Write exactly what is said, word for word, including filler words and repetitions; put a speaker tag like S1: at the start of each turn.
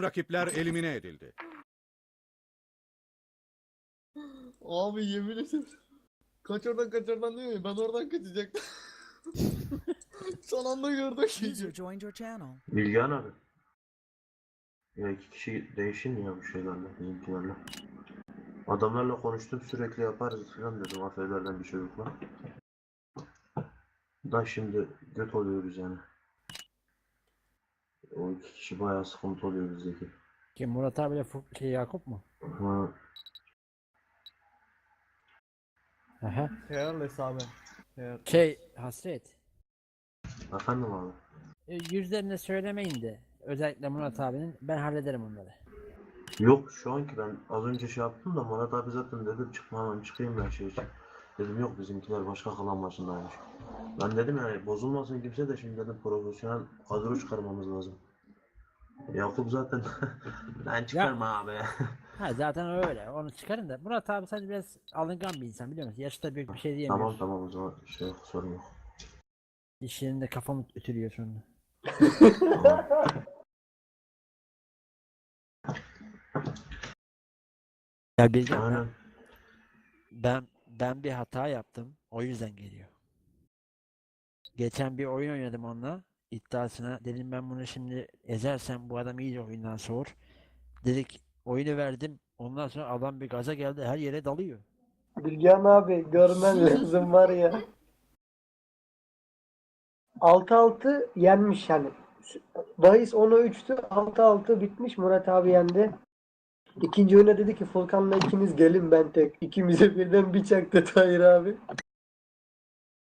S1: rakipler elimine edildi.
S2: Abi yemin ederim. Kaç oradan kaç oradan değil mi? Ben oradan kaçacaktım. Son anda gördüm
S3: User
S2: şeyi.
S3: joined your channel.
S4: Bilgehan abi. Ya iki kişi değişin ya bu şeylerle, bizimkilerle. Adamlarla konuştum, sürekli yaparız falan dedim aferlerden bir şey yok lan. Da şimdi göt oluyoruz yani. O iki kişi bayağı sıkıntı oluyor bizdeki.
S5: Kim Murat abiyle Fu- şey Yakup mu?
S4: Ha,
S5: Aha.
S2: Careless abi. Care-
S5: Şey Hasret.
S4: efendim abi.
S5: e, Yüzlerine söylemeyin de. Özellikle Murat abinin. Ben hallederim onları.
S4: Yok şu anki ben az önce şey yaptım da Murat abi zaten dedi çıkma hemen çıkayım ben şey için. Dedim yok bizimkiler başka kalan başındaymış. Ben dedim yani bozulmasın kimse de şimdi dedim profesyonel kadro çıkarmamız lazım. Yakup zaten ben çıkarma abi.
S5: Ha zaten öyle. Onu çıkarın da. Murat abi sadece biraz alıngan bir insan biliyor musun? Yaşta büyük bir şey diyemiyor.
S4: Tamam tamam o zaman şey yok, sorun yok.
S5: İş yerinde kafamı ütülüyor sonra.
S4: Tamam.
S5: Ya Bilgen ben,
S4: Aynen.
S5: ben, ben bir hata yaptım. O yüzden geliyor. Geçen bir oyun oynadım onunla. İddiasına. Dedim ben bunu şimdi ezersem bu adam iyice oyundan soğur. Dedik oyunu verdim. Ondan sonra adam bir gaza geldi. Her yere dalıyor.
S6: Bilgehan abi görmen lazım var ya. altı altı yenmiş yani. Bahis ona üçtü. altı altı bitmiş. Murat abi yendi. İkinci oyuna dedi ki Furkan'la ikiniz gelin ben tek. İkimize birden bir çaktı Tahir abi.